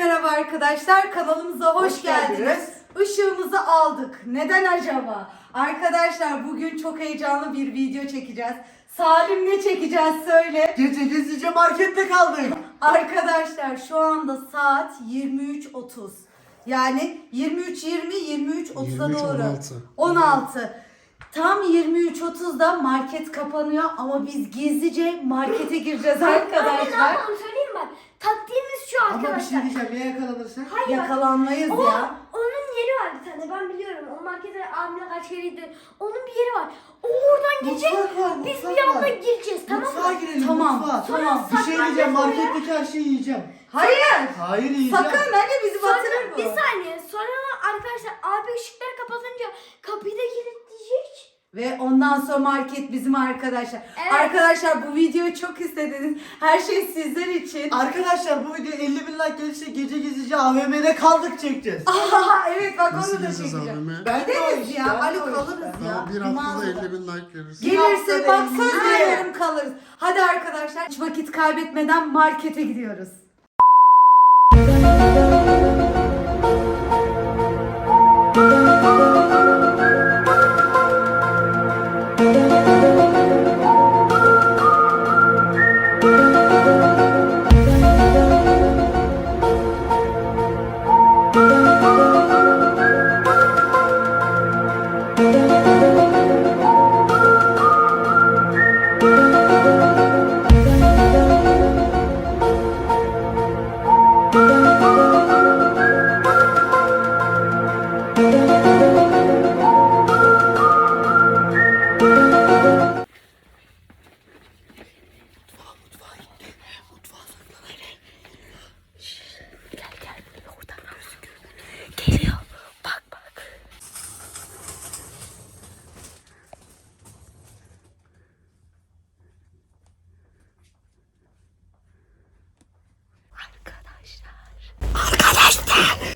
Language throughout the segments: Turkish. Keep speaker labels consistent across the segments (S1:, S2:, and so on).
S1: merhaba arkadaşlar, kanalımıza hoş geldiniz. Işığımızı aldık. Neden acaba? Arkadaşlar bugün çok heyecanlı bir video çekeceğiz. Salim ne çekeceğiz söyle.
S2: Gece gizlice markette kaldık.
S1: Arkadaşlar şu anda saat 23:30. Yani 23:30'a doğru. 16. Tam 23:30'da market kapanıyor ama biz gizlice markete gireceğiz arkadaşlar.
S3: Ne yapalım söyleyeyim mi? Taktiğimiz şu
S2: Ama bir şey
S3: arkadaşlar.
S2: diyeceğim, ya yakalanırsak?
S3: Hayır,
S1: Yakalanmayız ya.
S3: Onun yeri var bir tane, ben biliyorum. O markete abimle kaç kere gitti. Onun bir yeri var. O oradan gidecek.
S2: Mutfak var,
S3: Biz
S2: mutfak
S3: bir anda
S2: var.
S3: gireceğiz, tamam
S2: Mutfağa
S3: mı?
S2: girelim,
S1: Tamam,
S2: mutfağa.
S1: tamam.
S2: Bir şey diyeceğim,
S3: Saklanacağız
S2: marketteki her şeyi yiyeceğim.
S1: Hayır.
S2: Hayır yiyeceğim.
S1: Sakın hani bizi batırır
S3: Sonra
S1: bu.
S3: bir saniye. Sonra arkadaşlar abi ışıkları kapatınca kapıyı da kilitleyecek.
S1: Ve ondan sonra market bizim arkadaşlar.
S3: Evet.
S1: Arkadaşlar bu videoyu çok istediniz. Her şey sizler için.
S2: Arkadaşlar bu video 50.000 like gelirse gece gizlice AVM'de kaldık çekeceğiz.
S1: Aha, evet bak
S4: Nasıl
S1: onu da
S4: gideceğiz
S1: çekeceğim.
S4: abime?
S2: Ben de o
S1: Gideriz
S2: iş,
S1: ya.
S2: ben de
S1: Ali
S2: o iş,
S1: kalırız
S2: ben de
S1: ya.
S4: Bir haftada
S1: Mağazada.
S4: 50.000 like gelirse.
S1: Gelirse
S2: Bir
S1: bak
S2: haftada
S1: söz
S2: 50.000.
S1: veriyorum kalırız. Hadi arkadaşlar hiç vakit kaybetmeden markete gidiyoruz. Geliyor. Bak bak. Arkadaşlar.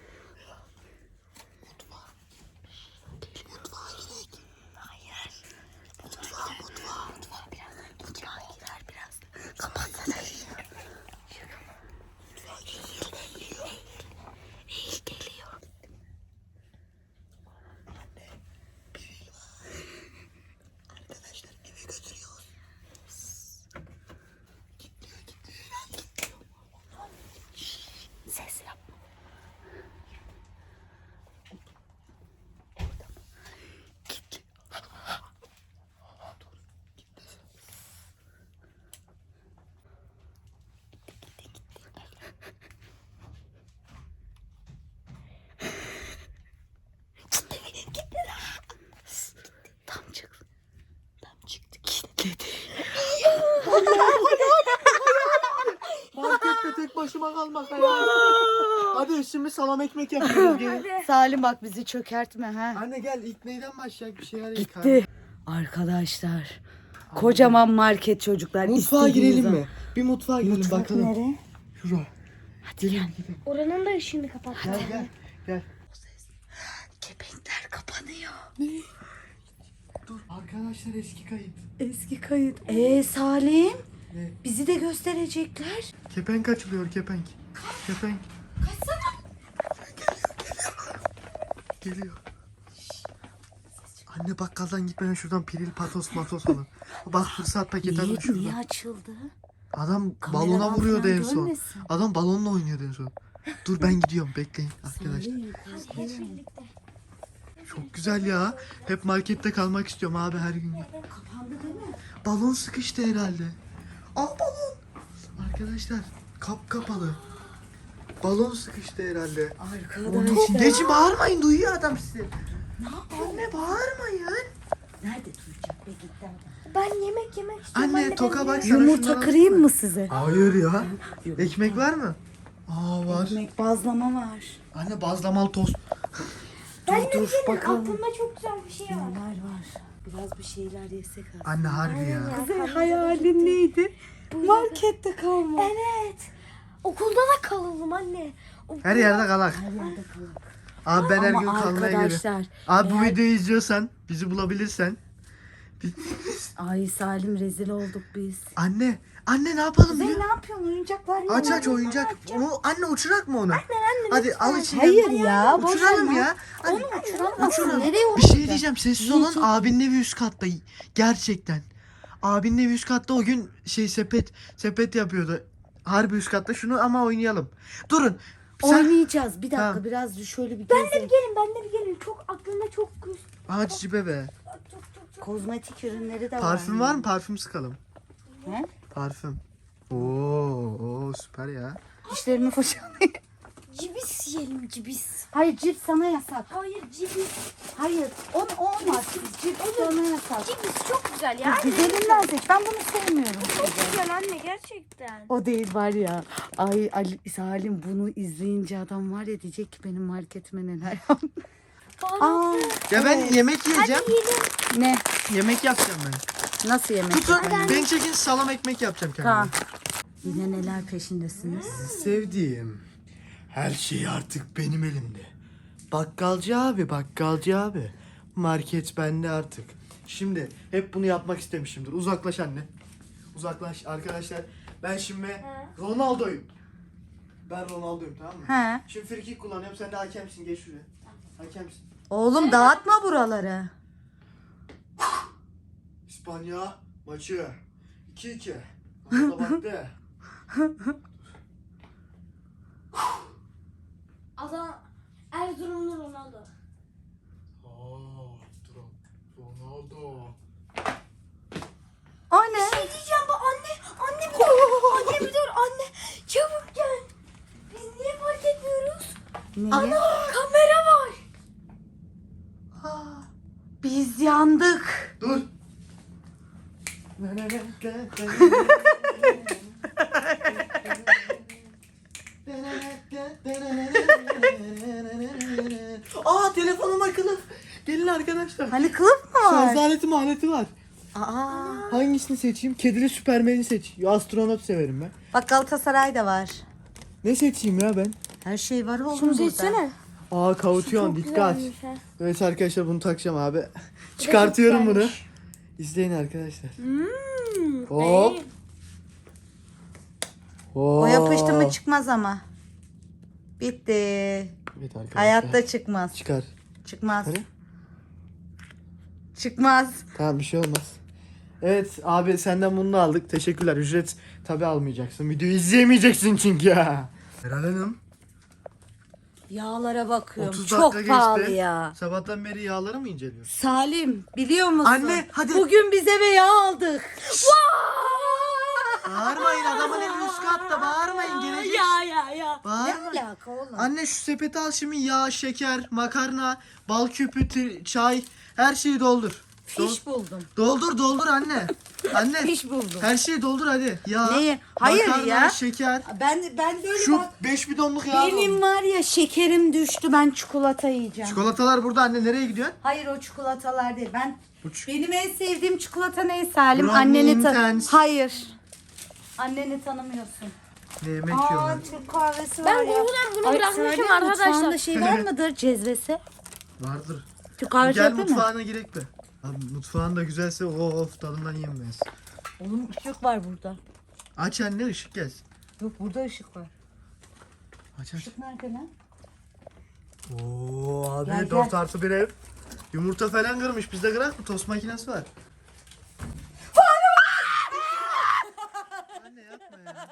S1: Mutfağa girer biraz. Kapatsana. Eğil geliyor.
S2: Arkadaşlar eve götürüyoruz.
S1: Ses yap. Tam çıktı. Kilitledi.
S2: Markette tek başıma kalmak ya. Hadi şimdi salam ekmek yapıyoruz. Gelin.
S1: Salim bak bizi çökertme ha.
S2: Anne gel, ilk neyden başlayalım, bir şeyler yıkar.
S1: Gitti. Arkadaşlar. Kocaman market çocuklar.
S2: Mutfağa
S1: İstediğiniz
S2: girelim
S1: zaman.
S2: mi? Bir mutfağa girelim
S1: Mutfak
S2: bakalım.
S1: nereye?
S2: Şura.
S1: Hadi gel.
S3: Oranın da ışığını kapat.
S2: Gel gel. Gel.
S1: Kepenkler kapanıyor.
S2: Dur arkadaşlar, eski kayıt.
S1: Eski kayıt. Salim.
S2: Ne?
S1: Bizi de gösterecekler.
S2: Kepenk açılıyor, kepenk. Kepenk.
S1: Kaçsana.
S2: Geliyor. Anne bakkaldan gitmeden şuradan piril patos matos alın. Bak fırsat paketi alın
S1: Niye
S2: şuradan.
S1: açıldı?
S2: Adam
S1: Kameradan
S2: balona vuruyordu
S1: falan
S2: en son.
S1: görmesin.
S2: Adam balonla oynuyordu en son. Dur ben gidiyorum, bekleyin arkadaşlar. Çok güzel ya. Hep markette kalmak istiyorum abi her gün.
S1: Kapandı değil mi?
S2: Balon sıkıştı herhalde. Aa balon. Arkadaşlar kap kapalı. Balon sıkıştı herhalde. Onun için.
S1: Arkadaşlar.
S2: Geçin, bağırmayın, duyuyor adam sizi. Anne bağırmayın.
S1: Nerede duyacak be gitti.
S3: Ben yemek istiyorum.
S2: Anne toka bak sana,
S1: Yumurta
S2: şundan
S1: kırayım
S2: alsana.
S1: mı size?
S2: Hayır ya. Ekmek var mı? Aa var.
S1: Ekmek bazlama var.
S2: Anne bazlamalı tost.
S1: Dur bakalım.
S3: Aklımda çok güzel bir şey var.
S1: Neler var? Biraz bir şeyler yesek aslında.
S2: Anne harbi ya.
S1: Kuzey hayalin neydi? Markette kalma.
S3: Evet. Okulda da kalalım anne.
S2: Her yerde kalak.
S1: Her yerde kalın.
S2: Abi ben her
S1: Ama
S2: gün kalmaya geliyorum.
S1: arkadaşlar,
S2: Abi bu
S1: eğer-
S2: videoyu izliyorsan, bizi bulabilirsen
S1: Ay Salim rezil olduk biz.
S2: Anne ne yapalım
S1: Kuzey
S2: biliyor
S1: ne yapıyorsun oyuncaklar mı?
S2: Aç oyuncak. Onu, anne uçurak mı onu? Hadi al içine.
S1: Hayır ya. boş ver
S2: Uçuralım
S1: lan.
S2: ya. Hadi.
S1: Onu uçuramazsın.
S2: Uçuralım.
S1: Nereye
S2: Bir
S1: uçuracağız?
S2: şey diyeceğim. Sessiz olun. Abinin evi üst katta. Gerçekten. Abinin evi üst katta o gün sepet yapıyordu. Harbi üst katta. Şunu ama oynayalım. Durun.
S1: Oynayacağız. Bir dakika
S2: Ha.
S1: biraz şöyle bir
S3: Ben de
S1: gezelim.
S3: bir gelin, ben de bir gelin. Çok aklımda çok
S2: Aa cibe be.
S3: çok.
S1: Kozmetik ürünleri de var.
S2: Parfüm var mı? Parfüm sıkalım.
S1: He?
S2: Parfüm. Oo süper ya.
S1: Dişlerimi fırçalayayım.
S3: Cibis yiyelim, cibis.
S1: Hayır cips sana yasak.
S3: Hayır, cibis.
S1: Hayır o olmaz. Cips sana yasak.
S3: Cibis çok güzel ya.
S1: Güzelinden seç. Ben bunu sevmiyorum.
S3: Çok güzel anne, gerçekten.
S1: O değil var ya. Ay Ali, Salim bunu izleyince adam var ya diyecek ki benim marketime neler yaptı. Aa,
S2: Ya ben yemek yiyeceğim.
S1: ne?
S2: Yemek yapacağım ben.
S1: Nasıl yemek?
S2: Tutun.
S1: yapayım?
S2: Ben çekin salam ekmek yapacağım kendime.
S1: Tamam. Yine neler peşindesiniz?
S2: Sevdiğim. Her şey artık benim elimde. Bakkalcı abi. Market bende artık. Şimdi hep bunu yapmak istemişimdir. Uzaklaş anne. Uzaklaş arkadaşlar. Ben şimdi Ronaldo'yum. Ben Ronaldo'yum, tamam mı?
S1: He.
S2: Şimdi frikik kullanıyorum. Sen de hakemsin. Geç şuraya. Hakemsin.
S1: Oğlum dağıtma buraları.
S2: İspanya maçı 2-2. Ronaldo baktı.
S3: Adam Erzurumlu Ronaldo.
S2: Ronaldo.
S1: O ne?
S3: Ne diyeceğim bu anne bir dur. Anne bir dur anne. Çabuk gel. Biz niye fark etmiyoruz?
S1: Neyi?
S3: Ana kamera var.
S1: Biz yandık.
S2: Dur. Aa telefonuma kılıf. Gelin arkadaşlar.
S1: Hani kılıf mı var?
S2: Şarj aleti var.
S1: Aa.
S2: Hangisini seçeyim? Kedili Süpermen'i seç. Ya astronot severim ben.
S1: Bak Galatasaray'da var.
S2: Ne seçeyim ya ben?
S1: Her şey var oğlum
S3: Şunu
S1: burada.
S3: seçsene.
S2: Aa kavutuyon dikkat.
S3: Güzelmiş ha.
S2: Evet arkadaşlar bunu takacağım abi. Çıkartıyorum bunu.
S3: güzelmiş.
S2: İzleyin arkadaşlar.
S3: Hmm.
S2: Hop.
S1: O yapıştı mı çıkmaz ama. Bitti.
S2: Evet arkadaşlar.
S1: Hayatta çıkmaz.
S2: Çıkar.
S1: Çıkmaz.
S2: Hadi.
S1: Çıkmaz.
S2: Tamam bir şey olmaz. Evet abi senden bunu da aldık. Teşekkürler. Ücret tabi almayacaksın. Videoyu izleyemeyeceksin çünkü ya. Meral Hanım.
S1: Yağlara bakıyorum.
S2: 30
S1: Çok
S2: dakika
S1: pahalı
S2: geçti.
S1: ya.
S2: Sabahtan beri yağları mı inceliyorsun?
S1: Salim biliyor musun?
S2: Anne, hadi.
S1: Bugün biz eve yağ aldık.
S2: Bağırmayın, adamın evi üst katta. Bağırmayın, gelecek.
S3: Ya.
S1: Ne
S2: Bağırmayın.
S1: alaka oğlum?
S2: Anne şu sepeti al şimdi, yağ, şeker, makarna, bal küpü, çay, her şeyi doldur.
S1: Fiş buldum.
S2: Doldur anne. Anne.
S1: Fiş buldum.
S2: Her şeyi doldur hadi. Yağ,
S1: Neyi? Hayır
S2: makarna,
S1: ya.
S2: şeker.
S1: Ben böyle
S2: Şu
S1: bak.
S2: 5 bidonluk yağ
S1: Benim
S2: doldur.
S1: var ya şekerim düştü. Ben çikolata yiyeceğim.
S2: Çikolatalar burada anne, nereye gidiyorsun?
S1: Hayır o çikolatalar değil.
S2: Bu
S1: Benim en sevdiğim çikolata ne Salim?
S2: Brownie
S1: Anneni
S2: Intense.
S1: Hayır. Anneni tanımıyorsun.
S2: Ne yemek
S1: Aa
S2: yiyorlar?
S1: Türk kahvesi var
S3: Ben
S1: ya.
S3: Google'dan bunu
S1: Ay,
S3: bırakmışım
S1: Salim,
S3: arkadaşlar.
S1: mutfağında şey var mıdır? Cezvesi.
S2: Vardır.
S1: Türk kahvesi
S2: Gel
S1: yapıyor mu?
S2: mutfağına girek be. Abi mutfağın da güzelse of tadından yenmez.
S1: Oğlum ışık var burada.
S2: Aç anne, ışık gelsin.
S1: Yok burada ışık var.
S2: Aç.
S1: Işık nerede lan?
S2: Oo abi
S1: Gel,
S2: 4+1 ev. Yumurta falan kırmış. Bizde kırak mı? Tost makinesi var. Anne yapma ya.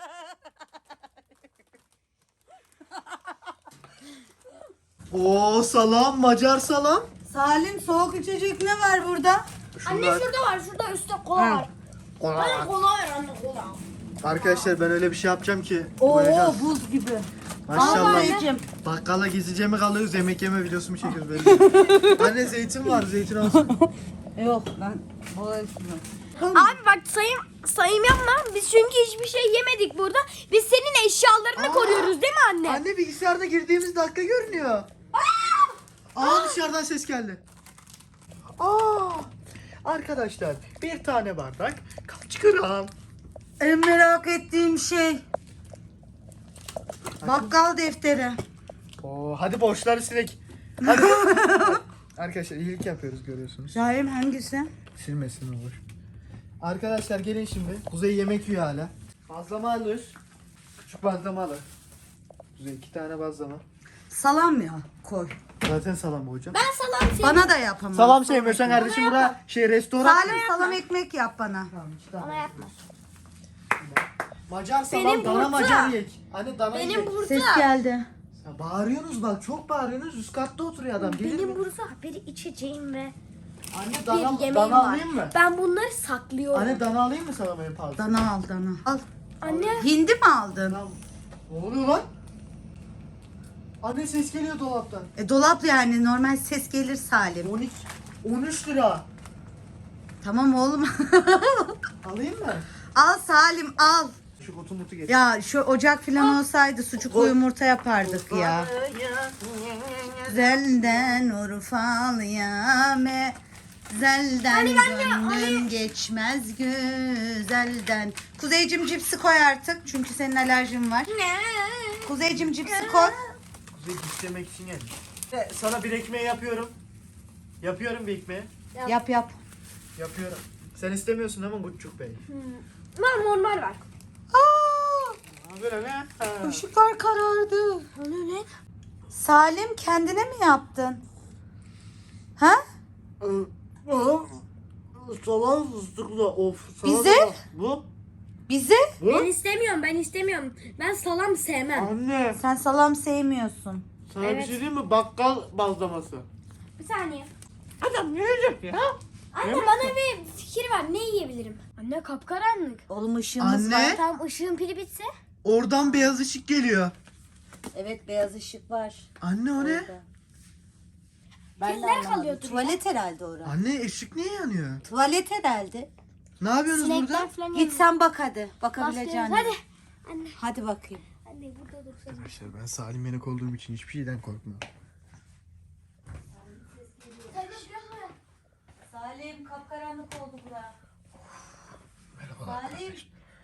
S2: Oo salam, Macar salam.
S1: Salim soğuk içecek ne var burada?
S3: Anne
S2: Şunlar.
S3: şurada var, şurada üstte kola var. Bana kola ver anne, kola.
S2: Arkadaşlar ben öyle bir şey yapacağım ki.
S1: Oo
S2: doyacağız.
S1: buz gibi.
S2: Maşallah.
S1: Anneciğim.
S2: Bakkala gizlice mi kalıyoruz, yemek yeme videosu mu çekiyoruz böyle? Anne zeytin var, zeytin alsın.
S1: Yok ben boğa içmiyorum.
S3: Abi bak sayım yapma. Biz çünkü hiçbir şey yemedik burada. Biz senin eşyalarını koruyoruz değil mi anne?
S2: Anne bilgisayarda girdiğimiz dakika görünüyor. Dışarıdan ses geldi. Arkadaşlar bir tane bardak kaç gram?
S1: En merak ettiğim şey. Bakkal defteri.
S2: Hadi borçları silek. Hadi. Arkadaşlar iyilik yapıyoruz, görüyorsunuz.
S1: Salim hangisi?
S2: Silmesin olur. Arkadaşlar gelin şimdi. Kuzey yemek yiyor hala. Bazlama alır. Küçük bazlama alır. Kuzey 2 tane bazlama.
S1: Salam ya koy.
S2: Zaten salam hocam.
S3: Ben salam sevmiyorum.
S1: Bana da yapamam.
S2: Salam sevmiyorsan kardeşim bura restoran.
S1: Salim salam ekmek yap bana.
S2: Tamam, işte
S3: Bana
S2: tamam.
S3: yapma.
S2: Macar salam,
S3: Benim
S2: dana
S3: burada.
S2: macar yek. Anne dana
S3: Benim
S2: yek.
S3: burada.
S1: Ses geldi.
S2: Ya bağırıyorsunuz bak, çok bağırıyorsunuz. Üst katta oturuyor adam. Gelir
S3: Benim
S2: mi?
S3: burada bir içeceğim ve
S2: Anne
S3: bir
S2: dana,
S3: yemeğim
S2: dana
S3: var.
S2: alayım mı?
S3: Ben bunları saklıyorum.
S2: Anne dana alayım mı sana benim fazla?
S1: Dana al dana. Al.
S3: Anne.
S1: Hindi mi aldın?
S2: Tamam. Ne oluyor lan? Anne ses geliyor dolaptan.
S1: Dolap yani normal ses gelir Salim.
S2: 13 lira.
S1: Tamam oğlum.
S2: Alayım mı?
S1: Al Salim al.
S2: Şu kutu mutu getir.
S1: Ya şu ocak falan olsaydı sucuklu yumurta yapardık ya. Zelden Urfalı'ya zelden gönlüm geçmez güzelden. Kuzeycim cipsi koy artık çünkü senin alerjin var. Kuzeycim cipsi koy.
S2: Kuzey istemek için gelmiş. Sana bir ekmeği yapıyorum. Yapıyorum bir ekmeği.
S1: Yap yap.
S2: Yapıyorum. Sen istemiyorsun ama Guççuk Bey.
S3: Ben normal var.
S1: Aa,
S2: Böyle ne?
S1: ışıklar karardı.
S3: Onu ne?
S1: Salim kendine mi yaptın? Ha?
S2: Salam fıstıklı of.
S1: Bize?
S2: Bu?
S1: Bize?
S3: Ben istemiyorum, ben istemiyorum. Ben salam sevmem.
S2: Anne.
S1: Sen salam sevmiyorsun.
S2: Sana
S3: Evet.
S2: bir şey diyeyim mi? Bakkal bazlaması.
S3: Bir saniye.
S2: Adam ne yiyecek ya?
S3: Anne bana bir fikir var. Ne yiyebilirim? Anne kapkaranlık.
S1: Oğlum ışığımız
S2: Anne.
S1: var.
S3: Tam ışığın pili bitse.
S2: Oradan beyaz ışık geliyor.
S1: Evet beyaz ışık var.
S2: Anne o ne?
S1: Orada. Ben de
S3: Kediler
S1: anlamadım.
S3: kalıyordur ya.
S1: Tuvalet herhalde orada.
S2: Anne ışık niye yanıyor?
S1: Tuvalet herhalde.
S2: Ne yapıyorsunuz
S3: Sinekler
S2: burada?
S3: falan
S1: Git sen bak hadi. Bakabileceğin.
S3: Hadi. Anne.
S1: Hadi bakayım.
S3: Anne burada dursun.
S2: Arkadaşlar ben Salim Yenek olduğum için hiçbir şeyden korkmuyorum.
S1: Salim kapkaranlık oldu bura.
S2: Merhaba.
S1: Salim.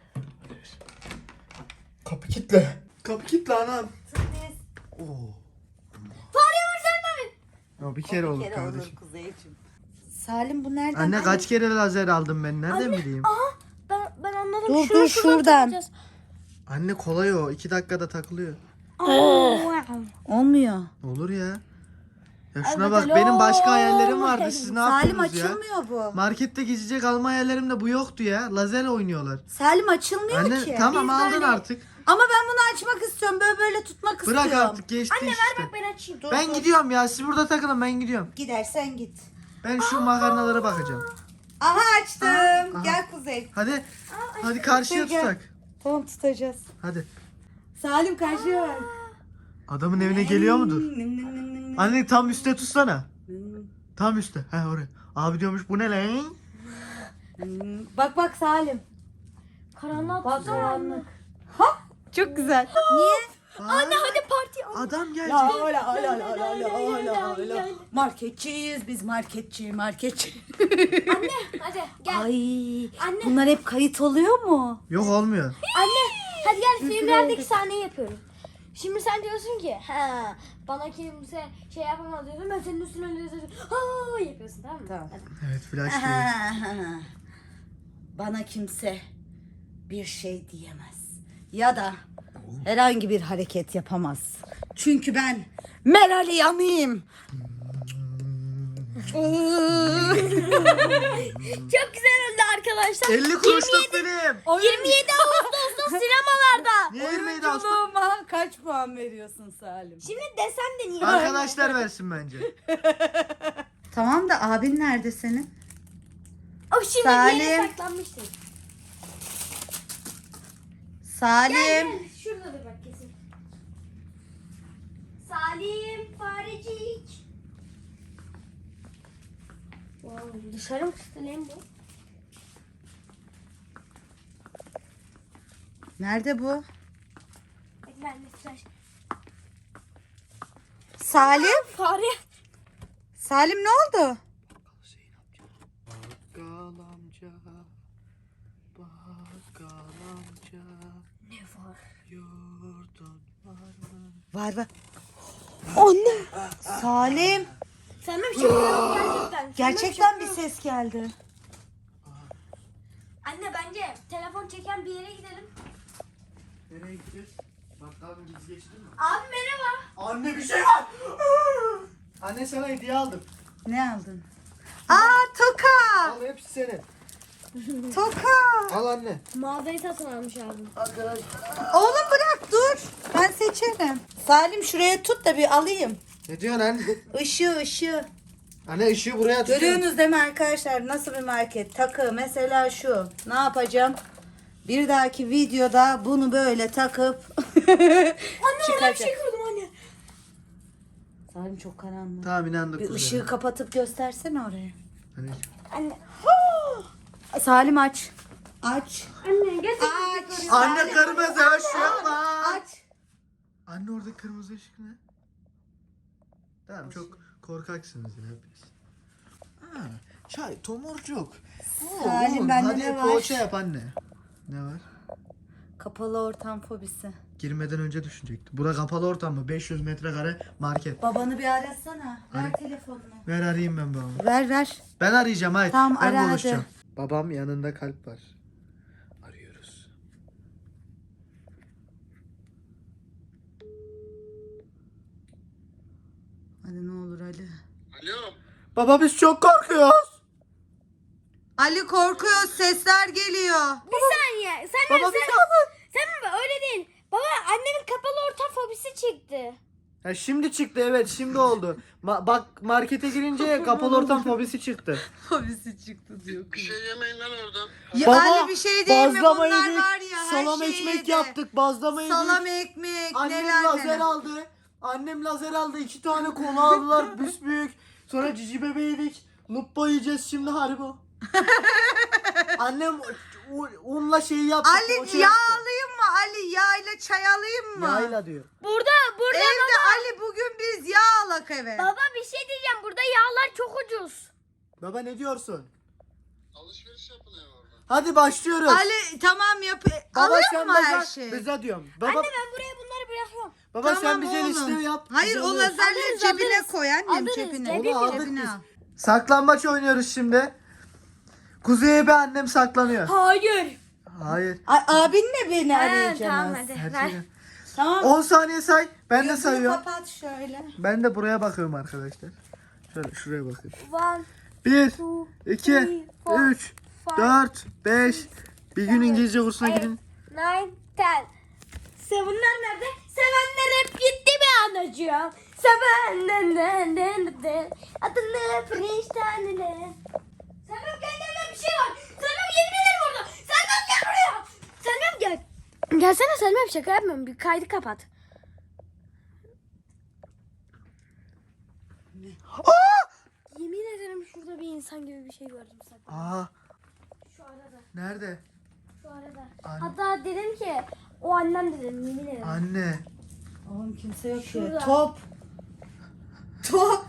S2: Kapı kitle. Kapı kitle anam.
S1: Sürpriz.
S2: Oo.
S3: Fare var sen mi?
S2: Ya bir kere olur
S1: Bir kere
S2: kardeşim.
S1: olur Kuzeyciğim. Salim bu nereden?
S2: Anne kaç kere lazer aldım ben nereden bileyim?
S3: Aha. Ben anladım.
S1: Dur,
S3: Şunu
S1: dur, şuradan.
S3: takacağız.
S2: Anne kolay o 2 dakikada takılıyor.
S1: Olmuyor.
S2: Olur ya. Ya şuna
S3: Evet,
S2: bak
S3: alo.
S2: benim başka hayallerim vardı siz ne
S1: Salim
S2: yaptınız ya?
S1: açılmıyor bu.
S2: Markette gezecek alma hayallerimde bu yoktu ya. Lazer oynuyorlar.
S1: Salim açılmıyor
S2: Anne
S1: ki.
S2: tamam
S3: Biz
S2: aldın
S3: böyle-
S2: artık.
S1: Ama ben bunu açmak istiyorum. Böyle böyle tutmak
S2: Bırak
S1: istiyorum.
S2: artık geçti
S3: Anne
S2: işte.
S3: ver bak ben açayım.
S1: Dur,
S2: Ben
S1: dur.
S2: gidiyorum ya siz burada takılın ben gidiyorum.
S1: Gidersen git.
S2: Ben şu makarnalara bakacağım.
S1: Aha açtım.
S2: Aha.
S1: Gel Kuzey.
S2: Hadi karşıya
S1: Gel.
S2: tutsak.
S1: Tamam tutacağız.
S2: Hadi.
S1: Salim karşıya ver.
S2: Adamın evine geliyor mudur? Anne tam üstte tutsana. Tam üstte. He oraya. Abi diyormuş bu ne lan?
S1: Bak bak Salim.
S3: Karanlığa
S1: Bak
S3: tutsana.
S1: karanlık. Çok güzel. Niye?
S3: Anne hadi parti.
S2: Adam gelecek.
S1: Ya öyle. Marketçiyiz biz marketçi.
S3: Anne hadi gel.
S1: Ay.
S3: Anne.
S1: Bunlar hep kayıt oluyor mu?
S2: Yok olmuyor.
S3: Anne hadi gel filmlerdeki sahneyi yapıyorum. Şimdi sen diyorsun ki ha bana kimse şey yapamaz diyorsun ben senin üstüne öyle diyorsun. Ha yapıyorsun tamam mı?
S1: Tamam.
S3: Hadi.
S2: Evet flash TV.
S1: Bana kimse bir şey diyemez. Ya da herhangi bir hareket yapamaz. Çünkü ben Meral Yanıyım.
S3: Çok güzel oldu arkadaşlar.
S2: 50 kuruşluk film.
S3: 27 Ağustos'ta sinemalarda.
S2: Niye 27 Ağustos?
S1: Oyunculuğuma kaç puan veriyorsun Salim?
S3: Şimdi desem de niye?
S2: Arkadaşlar versin bence.
S1: Tamam da abin nerede senin?
S3: O şimdi bir
S1: Salim.
S3: yere saklanmıştır.
S1: Salim.
S3: Gel. Şuradadır bak kesin. Salim farecik. Wow, dışarı mı çıktı lan bu?
S1: Nerede bu?
S3: Hadi ben de flash.
S1: Salim?
S3: Fare.
S1: Salim ne oldu?
S2: Bakkal amca. Bakkal amca.
S3: Ne var?
S2: Yurdun var mı?
S1: Var. Anne. Salim.
S3: Sen bir şey yapıyorsun gerçekten.
S1: Gerçekten bir ses geldi.
S3: telefon çeken bir yere gidelim.
S2: Nereye gideceğiz? Bakalım biz geçti mi?
S3: Abi merhaba.
S2: Anne bir şey var. Anne sana hediye aldım.
S1: Ne aldın? Aa toka.
S2: Al hepsi senin.
S1: Toka.
S2: Al anne.
S3: Mağazayı satın almış abim.
S2: Arkadaş.
S1: Oğlum bırak dur. Ben seçerim. Salim şuraya tut da bir alayım.
S2: Ne diyorsun anne?
S1: Işığı.
S2: Anne ışığı buraya tutuyorum.
S1: Görüyorsunuz değil mi arkadaşlar nasıl bir market? Takı mesela şu. Ne yapacağım? Bir dahaki videoda bunu böyle takıp
S3: Anne orada bir şey kırdım anne.
S1: Salim çok karanlık.
S2: Tamam inandık.
S1: Bir
S2: kuzey.
S1: ışığı kapatıp göstersene oraya.
S2: Anne.
S3: Anne.
S1: Salim aç. Aç.
S3: Anne gel.
S1: Aç.
S2: Anne kırmızı ışık var.
S1: Aç.
S2: Anne orada kırmızı ışık ne? Tamam çok korkaksınız yine hepiniz. Ha, çay tomurcuk.
S1: Salim, bende
S2: hadi
S1: ne var?
S2: poğaça yap anne. Ne var?
S1: Kapalı ortam fobisi.
S2: Girmeden önce düşünecektim. Bura kapalı ortam mı? 500 metrekare market.
S1: Babanı bir arasana. Ver
S2: Ara.
S1: telefonunu.
S2: Ver arayayım ben babamı.
S1: Ver.
S2: Ben arayacağım hayır.
S1: Tamam,
S2: ben
S1: ara hadi.
S2: konuşacağım. Babam yanında kalp var. Arıyoruz.
S1: Hadi ne olur Ali.
S4: Alo.
S2: Baba biz çok korkuyoruz.
S1: Ali korkuyor, sesler geliyor.
S3: Bir saniye. Sen
S2: Baba biz
S3: sen öyle değil. Baba annemin kapalı ortam fobisi çıktı.
S2: Ya şimdi çıktı evet şimdi oldu. Bak markete girince kapalı ortam fobisi çıktı.
S1: Fobisi çıktı diyor.
S4: Bir şey yemeyin lan oradan.
S1: Ya
S2: Baba,
S1: Ali bir şey değil mi?
S2: bazlama
S1: Bunlar
S2: yedik,
S1: var ya her
S2: salam
S1: şeyi
S2: ekmek
S1: yedi.
S2: yaptık, bazlama yedik.
S1: Salam ekmek,
S2: Annem
S1: neler
S2: lazer
S1: neler.
S2: aldı. Annem lazer aldı. 2 tane kola aldılar büyük. Sonra cici bebe yedik. Lupa yiyeceğiz şimdi Haribo. Annem unla şeyi yaptı.
S1: Ali
S2: poğaça
S1: yağ
S2: yaptı.
S1: alayım mı? Ali yağ ile çay alayım mı?
S2: Yağıyla diyor.
S3: Burada
S1: Evde Ali bugün biz yağ alak eve.
S3: baba bir şey diyeceğim. Burada yağlar çok ucuz.
S2: Baba ne diyorsun?
S4: Alışveriş yapılıyor orada.
S2: Hadi başlıyoruz.
S1: Ali tamam yap.
S2: Baba
S1: Alayım
S2: sen
S1: mı her
S2: bize,
S1: şeyi?
S2: bize diyorum. Baba,
S3: Anne ben buraya bunları bırakıyorum.
S2: baba sen
S1: Tamam
S2: bize
S1: oğlum.
S2: liste yap.
S1: Hayır
S2: Biz
S1: o
S2: alıyoruz.
S1: lazerleri
S3: Alırız,
S1: cebine
S3: alırız.
S1: koy annem
S3: Alırız,
S1: cebine.
S3: cebine.
S2: Onu aldık
S1: Cebine
S2: biz.
S1: al.
S2: Saklambaç oynuyoruz şimdi. Kuzey'e bir annem saklanıyor.
S3: Hayır.
S2: Hayır.
S1: Abinle beni
S3: Tamam
S1: arayacaksınız.
S3: hadi.
S2: Her
S3: Ver.
S2: şeyi.
S1: Tamam.
S2: 10 saniye say. Ben de
S1: Gözünü
S2: sayıyorum.
S1: kapat şöyle.
S2: Ben de buraya bakıyorum arkadaşlar. Şöyle şuraya bakıyorum.
S3: 1,
S2: 1,
S3: 2,
S2: 2, 3, 4, 5. Bir gün İngilizce kursuna gidin.
S3: 9, 10. Sevenler nerede? Sevenler hep gitti mi anacığım? Sevenler adını Prince'den. Sevmem kendine bir şey var. Sevmem yemin ederim orada. Sevmem gel buraya. Sevmem gel. Gelsene Sevmem şaka yapmıyorum. Bir kaydı kapat. Yemin ederim şurada bir insan gibi bir şey gördüm sakın.
S2: Aa,
S3: Şu arada.
S2: nerede?
S3: Şu arada.
S2: Anne.
S3: Hatta dedim ki o annem dedim yemin ederim.
S2: Anne.
S1: Oğlum kimse yok
S3: Şurada.
S1: ki. Top. Top.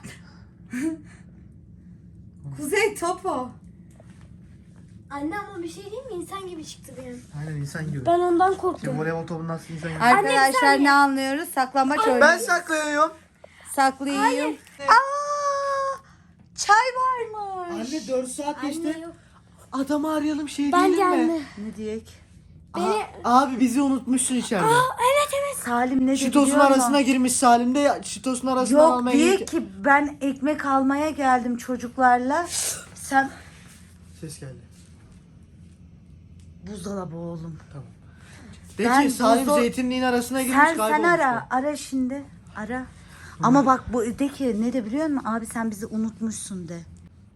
S1: Kuzey top o.
S3: Anne ama bir şey değil mi? İnsan gibi çıktı benim.
S2: Aynen insan gibi.
S3: Ben ondan
S2: Şimdi
S3: korktum.
S2: voleybol topu nasıl insan gibi?
S3: Anne, bir
S1: Arkadaşlar
S3: saniye.
S1: ne anlıyoruz? Saklambaç
S2: Ben
S1: oynuyoruz.
S2: saklıyorum.
S1: Saklayayım.
S3: Hayır.
S1: Aa! Çay varmış.
S2: Anne 4 saat
S3: Anne
S2: geçti.
S3: yok.
S2: Adamı arayalım şey
S3: Bence
S2: diyelim mi?
S3: anne.
S1: Ne diyek?
S3: Beni...
S2: Abi bizi unutmuşsun içeride.
S3: Evet.
S1: Salim ne dedi
S2: Şitos'un
S1: biliyor musun?
S2: arasına girmiş Salim de Şitos'un arasından
S1: Yok
S2: almaya
S1: diye
S2: gelirken-
S1: ki ben ekmek almaya geldim çocuklarla. Sen
S2: Ses geldi.
S1: buzdolabı oğlum.
S2: Tamam. De
S1: Ben
S2: ki Salim
S1: buzdo-
S2: zeytinliğin arasına girmiş
S1: Sen
S2: kaybolmuş.
S1: ara. Ara şimdi. Ara. Ama bak bu de ki ne de biliyor musun? Abi sen bizi unutmuşsun de.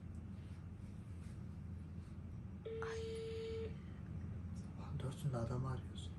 S2: Dörsün de adamı arıyorsun.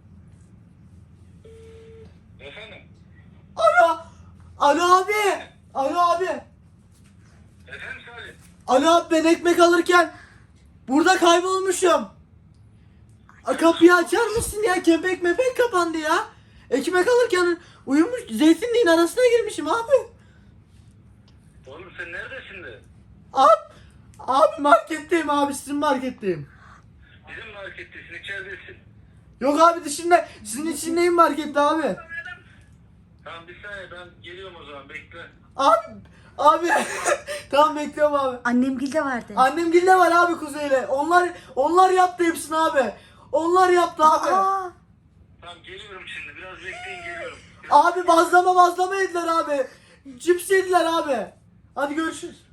S4: Efendim?
S2: Alo. Alo abi. Alo abi.
S4: Efendim Salim?
S2: Alo abi ben ekmek alırken burada kaybolmuşum. Kapıyı açar mısın ya? Kepek mepek kapandı ya. Ekmek alırken uyumuş zeytinliğin arasına girmişim abi.
S4: Oğlum sen neredesin de?
S2: Abi marketteyim abi sizin marketteyim.
S4: Bizim markettesin, içeridesin.
S2: Yok abi dışında sizin içindeyim markette abi.
S4: Tamam bir saniye ben geliyorum o zaman bekle.
S2: Abi tamam bekliyorum abi.
S1: Annem gilde vardı.
S2: Annem gilde var abi Kuzey'le. Onlar yaptı hepsini abi. Onlar yaptı abi.
S1: Aa,
S4: Tamam geliyorum şimdi. Biraz bekleyin geliyorum.
S2: Abi bazlama yediler abi. Cips yediler abi. Hadi görüşürüz.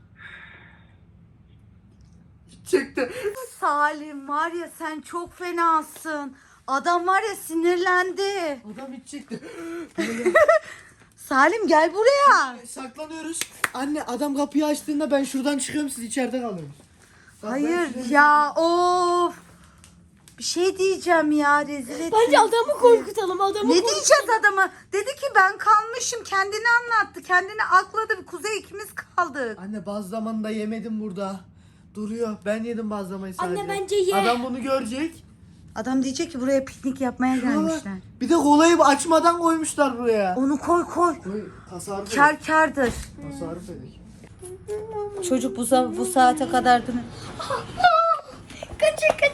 S2: Çıktı.
S1: Salim var ya sen çok fenasın. Adam var ya sinirlendi.
S2: Adam hiç çıktı.
S1: Salim gel buraya.
S2: Saklanıyoruz. Anne adam kapıyı açtığında ben şuradan çıkıyorum, siz içeride kalıyorsunuz. Bak, ben
S1: Hayır
S2: şuraya-
S1: ya of. Bir şey diyeceğim ya rezil ettin.
S3: Bence adamı korkutalım. Adamı
S1: Ne diyeceğiz adama? Dedi ki ben kalmışım. Kendini anlattı. Kendini akladı. Kuzey ikimiz kaldık.
S2: Anne bazlamanı da yemedim burada. Duruyor. Ben yedim bazlamayı sadece.
S3: Anne, bence ye.
S2: Adam bunu görecek.
S1: Adam diyecek ki buraya piknik yapmaya gelmişler.
S2: Bir de kolayı açmadan koymuşlar buraya.
S1: Onu koy koy.
S2: Tasarruf edik.
S1: Kar kardır.
S2: Tasarruf edik.
S1: Çocuk bu saate kadar değil mi?
S3: kaç.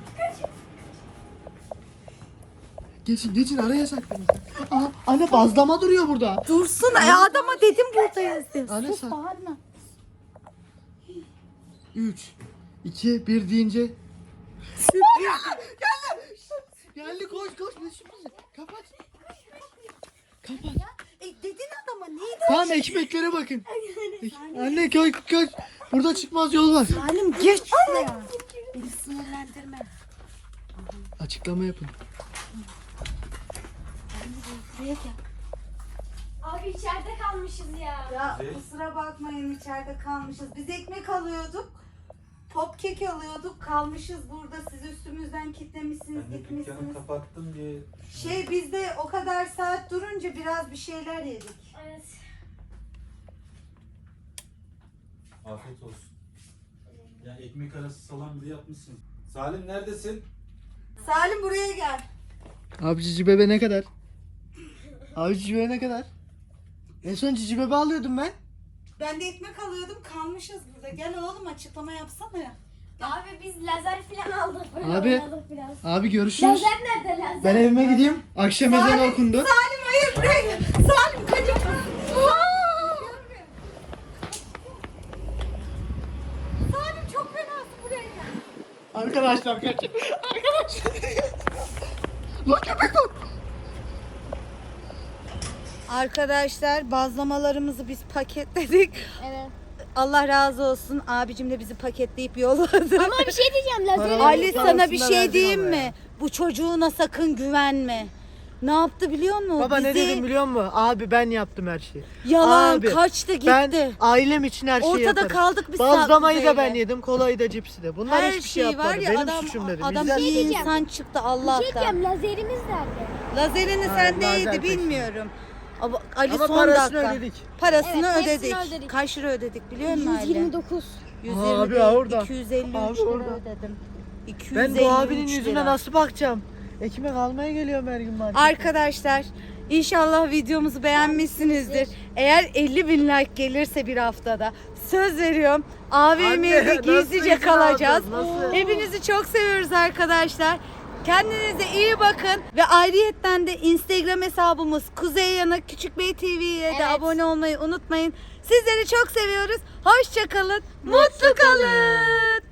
S2: Geçin araya saklanın. Aa, anne bazlama duruyor burada.
S1: Dursun. Adama dedim buradayız.
S2: Anne
S1: Sus
S2: sen-
S1: bağırma.
S2: 3, 2, 1 deyince. Geldi koş ne sürprizi. Kapat.
S1: Dedin adama neydi?
S2: Tamam ekmeklere bakın. Anne koş. Burada çıkmaz yol var.
S1: Salim geç şuraya. Beni sinirlendirme.
S2: Açıklama yapın.
S1: Buraya gel.
S3: Abi içeride kalmışız ya.
S1: Ya kusura bakmayın içeride kalmışız. Biz ekmek alıyorduk. Pop kek alıyorduk. Kalmışız burada. Siz üstümüzden kitlemişsiniz,
S5: Ben de dükkanı
S1: gitmişsiniz.
S5: kapattım diye.
S1: Biz de o kadar saat durunca biraz bir şeyler yedik.
S3: Evet.
S5: Afiyet olsun. Ya ekmek arası salam bile yapmışsın. Salim neredesin?
S1: Salim buraya gel.
S2: Abi cici bebe ne kadar? Abi cici bebe ne kadar? En son cici bebe alıyordum ben.
S1: Ben de ekmek alıyordum. Kalmışız burada. Gel oğlum açıklama yapsana ya.
S3: Abi biz lazer falan aldık. Böyle
S2: Abi.
S3: oynadık biraz.
S2: Abi görüşürüz.
S3: Lazer nerede lazer?
S2: Ben evime gideyim. Akşam ezanı okundu.
S1: Salim hayır buraya gel. Salim kaçamaz. Salim çok fenasın buraya gel.
S2: Arkadaşlar kaçın. Lan köpek var.
S1: Arkadaşlar bazlamalarımızı biz paketledik.
S3: Evet.
S1: Allah razı olsun. Abicim de bizi paketleyip yolladı.
S3: Ama bir şey diyeceğim lazer.
S1: Ali sana bir
S2: Parasını
S1: şey
S2: verdin
S1: diyeyim
S2: ama
S1: mi?
S2: ya.
S1: Bu çocuğuna sakın güvenme. Ne yaptı biliyor musun?
S2: Baba ne
S1: Bizi
S2: dedim biliyor musun? Abi ben yaptım her şeyi.
S1: yalan
S2: Abi,
S1: kaçtı gitti.
S2: Ben ailem için her şeyi
S1: Ortada
S2: yaparım.
S1: kaldık biz
S2: Bazlamayı da
S1: Saat
S2: ben
S1: Kuzey'le.
S2: yedim, kolayı da cipsi de. Bunlar
S1: Her
S2: hiçbir şey
S1: şey
S2: yapmadı.
S1: var ya
S2: Benim
S1: adam
S2: suçum dedim.
S1: adam
S2: Bizden-
S1: iyi
S3: diyeceğim.
S1: insan çıktı
S3: Bir şey
S1: Allah'tan.
S3: diyeceğim lazerimiz nerede?
S1: Lazerini
S2: Hayır,
S1: sendeydi
S2: lazer
S1: bilmiyorum. Ama Ali
S2: Ama
S1: son
S2: parasını
S1: dakika.
S2: ödedik.
S1: Parasını
S3: Evet, hepsini
S1: ödedik.
S3: ödedik.
S1: Kaç lira ödedik biliyor musun Ali?
S3: 129.
S1: 120
S2: Abi,
S1: değil,
S2: orada.
S1: 253
S2: Abi,
S1: lira
S2: orada.
S1: ödedim.
S2: Ben
S1: 253
S2: bu abinin yüzüne
S1: lira.
S2: nasıl bakacağım? Ekmek almaya geliyorum her gün markete.
S1: Arkadaşlar inşallah videomuzu beğenmişsinizdir. Eğer 50.000 like gelirse bir haftada söz veriyorum AVM'de
S2: Anne,
S1: gizlice
S2: nasıl
S1: kalacağız.
S2: izin aldın, nasıl?
S1: Hepinizi çok seviyoruz arkadaşlar. Kendinize iyi bakın ve ayrıyetten de Instagram hesabımız Kuzey Yanık Küçük Bey TV'ye de
S3: Evet.
S1: abone olmayı unutmayın. Sizleri çok seviyoruz. Hoşça kalın. Mutlu kalın.